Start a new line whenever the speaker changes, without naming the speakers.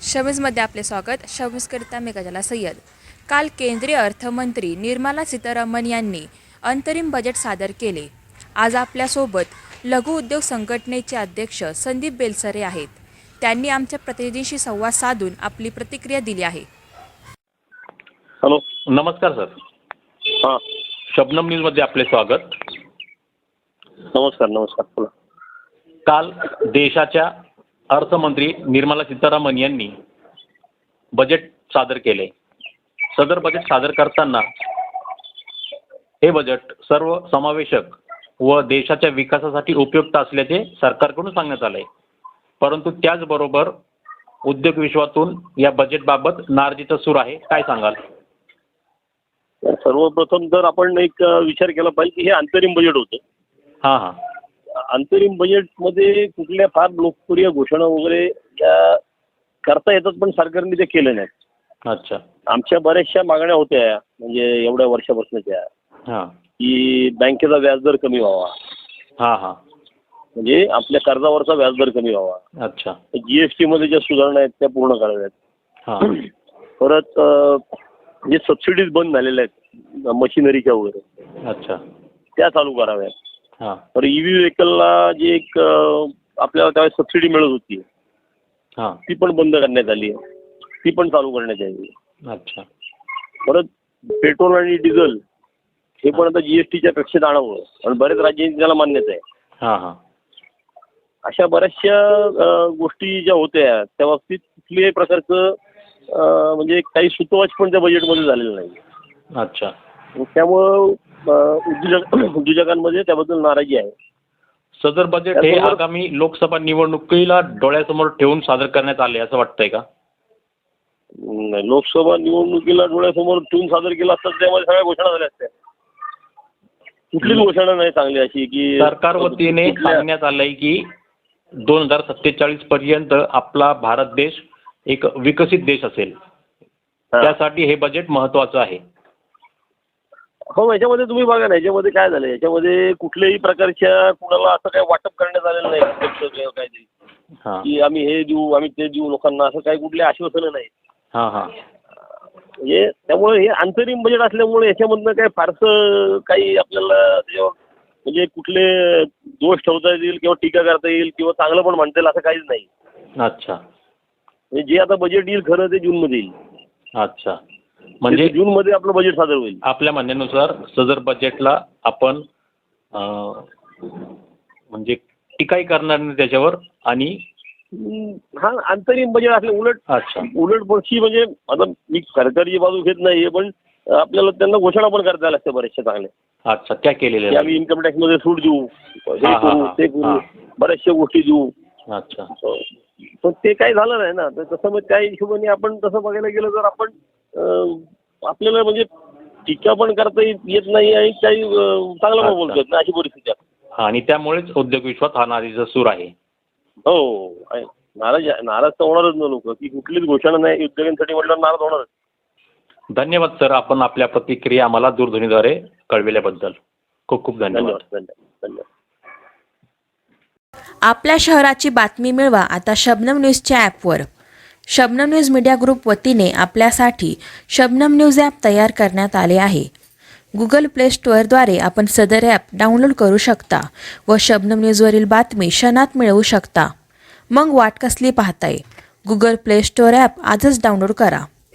शमीजमध्ये आपले स्वागत. शमीजकरिता मी गजाला सय्यद. काल केंद्रीय अर्थमंत्री निर्मला सीतारामन यांनी अंतरिम बजेट सादर केले. आज आपल्यासोबत लघु उद्योग संघटनेचे अध्यक्ष संदीप बेलसरे आहेत. त्यांनी आमच्या प्रतिनिधींशी संवाद साधून आपली प्रतिक्रिया दिली आहे.
हॅलो,
नमस्कार सर.
हां,
शबनम न्यूजमध्ये आपले स्वागत.
नमस्कार. बोला.
काल देशाच्या अर्थमंत्री निर्मला सीतारामन यांनी बजेट सादर केले. सदर बजेट सादर करताना हे बजेट सर्व समावेशक व देशाच्या विकासासाठी उपयुक्त असल्याचे सरकारकडून सांगण्यात आले. परंतु त्याचबरोबर उद्योग विश्वातून या बजेटबाबत नाराजीचा सूर आहे. काय सांगाल?
सर्वप्रथम तर आपण एक विचार केला पाहिजे की हे अंतरिम बजेट होतं.
हां.
अंतरिम बजेटमध्ये कुठल्या फार लोकप्रिय घोषणा वगैरे या करता येतात, पण सरकारने ते केलं नाही.
अच्छा.
आमच्या बऱ्याचशा मागण्या होत्या, म्हणजे एवढ्या वर्षापासूनच्या,
हां
की बँकेचा व्याजदर कमी व्हावा,
हां.
म्हणजे आपल्या कर्जावरचा व्याजदर कमी व्हावा.
अच्छा.
जीएसटी मध्ये ज्या सुधारणा आहेत त्या पूर्ण कराव्यात.
हां.
परत जे सबसिडीज बंद झालेल्या आहेत मशिनरीच्या वगैरे,
अच्छा.
त्या चालू कराव्यात.
हां.
तर ईव्ही व्हेकलला जी एक आपल्याला त्यावेळेस सबसिडी मिळत होती,
हां.
ती पण बंद करण्यात आली आहे. ती पण चालू करण्यात यावी.
अच्छा.
परत पेट्रोल आणि डिझेल हे पण आता जीएसटीच्या कक्षेत आणावं, आणि बरेच राज्यांची त्याला मान्यता आहे.
हां.
अशा बऱ्याचशा गोष्टी ज्या होत्या त्या बाबतीत कुठल्याही प्रकारचं म्हणजे काही सुतवाच पण त्या बजेटमध्ये झालेलं नाही.
अच्छा.
त्यामुळं उद्योजकांमध्ये त्याबद्दल नाराजी आहे.
सदर बजेट हे आगामी लोकसभा निवडणुकीला डोळ्यासमोर ठेवून सादर करण्यात आले असं वाटतंय का?
लोकसभा निवडणुकीला डोळ्यासमोर ठेवून सादर केला असता त्यामध्ये सगळ्या घोषणा झाल्या असत्या. कुठलीच घोषणा नाही चांगली अशी की
सरकार वतीने सांगण्यात आलंय की 2047 पर्यंत आपला भारत देश एक विकसित देश असेल. त्यासाठी हे बजेट महत्वाचं आहे.
हो, याच्यामध्ये तुम्ही बघा ना, याच्यामध्ये काय झालं, याच्यामध्ये कुठल्याही प्रकारच्या कुणाला असं काही वाटप करण्यात आलेलं नाही काय की आम्ही हे देऊ आम्ही ते देऊ लोकांना, असं काही कुठले आश्वासनं नाही. म्हणजे त्यामुळे हे अंतरिम बजेट असल्यामुळे याच्यामधनं काय फारसं काही आपल्याला त्याच्यावर म्हणजे कुठले दोष ठेवता येईल किंवा टीका करता येईल किंवा चांगलं पण म्हणता येईल असं काहीच नाही.
अच्छा.
म्हणजे जे आता बजेट येईल खरं ते जूनमध्ये येईल.
अच्छा. म्हणजे
जूनमध्ये आपलं बजेट सादर होईल.
आपल्या म्हणण्यानुसार सदर बजेटला आपण म्हणजे टीकाही करणार नाही त्याच्यावर, आणि
हा अंतरिम बजेट असले उलट पक्षी म्हणजे आता मी सरकारची बाजू घेत नाहीये, पण आपल्याला त्यांना घोषणा पण करता लागते बऱ्याचशा चांगल्या.
अच्छा. त्या केलेल्या
आम्ही इन्कम टॅक्स मध्ये सूट देऊ, हे करू ते करू, बऱ्याचशा गोष्टी देऊ.
अच्छा.
पण ते काही झालं नाही ना. तर तसं मग त्या हिशोबाने आपण तसं बघायला गेलं तर आपण आपल्याला म्हणजे टीका पण करता येत नाही आणि काही चांगलं पण बोलतो येत नाही, अशी परिस्थिती आहे.
आणि त्यामुळेच उद्योग विश्वात हा नाराजीचा सूर आहे.
हो, नाराज तर होणारच ना लोक, की कुठलीच घोषणा नाही उद्योगांसाठी म्हटलं नाराज होणारच.
धन्यवाद सर, आपण आपल्या प्रतिक्रिया आम्हाला दूरध्वनीद्वारे कळविल्याबद्दल खूप खूप धन्यवाद.
आपल्या शहराची बातमी मिळवा आता शबनम न्यूजच्या ॲपवर. शबनम न्यूज मीडिया ग्रुप वतीने आपल्यासाठी शबनम न्यूज ॲप तयार करण्यात आले आहे. गुगल प्ले स्टोअरद्वारे आपण सदर ॲप डाउनलोड करू शकता व शबनम न्यूजवरील बातमी क्षणात मिळवू शकता. मग वाट कसली पाहताय? गुगल प्ले स्टोअर ॲप आजच डाउनलोड करा.